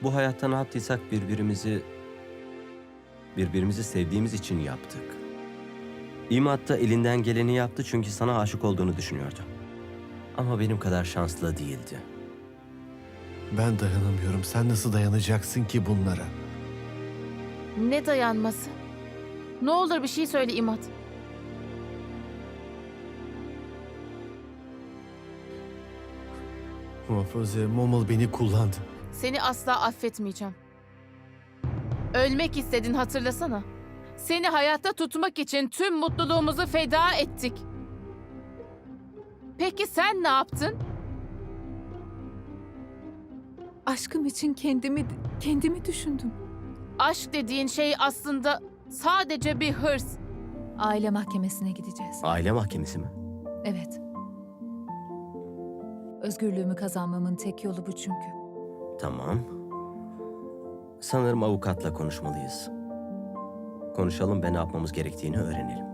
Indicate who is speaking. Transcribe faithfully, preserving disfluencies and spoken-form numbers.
Speaker 1: Bu hayatta ne yaptıysak birbirimizi, birbirimizi sevdiğimiz için yaptık. İmad da elinden geleni yaptı çünkü sana aşık olduğunu düşünüyordu. Ama benim kadar şanslı değildi.
Speaker 2: Ben dayanamıyorum. Sen nasıl dayanacaksın ki bunlara?
Speaker 3: Ne dayanması? Ne olur bir şey söyle İmad.
Speaker 2: Muhafaza, Momal beni kullandı.
Speaker 3: Seni asla affetmeyeceğim. Ölmek istedin, hatırlasana. Seni hayatta tutmak için tüm mutluluğumuzu feda ettik. Peki sen ne yaptın?
Speaker 4: Aşkım için kendimi kendimi düşündüm.
Speaker 3: Aşk dediğin şey aslında sadece bir hırs.
Speaker 4: Aile mahkemesine gideceğiz.
Speaker 1: Aile mahkemesi mi?
Speaker 4: Evet. Özgürlüğümü kazanmamın tek yolu bu çünkü.
Speaker 1: Tamam. Sanırım avukatla konuşmalıyız. Konuşalım ve ne yapmamız gerektiğini öğrenelim.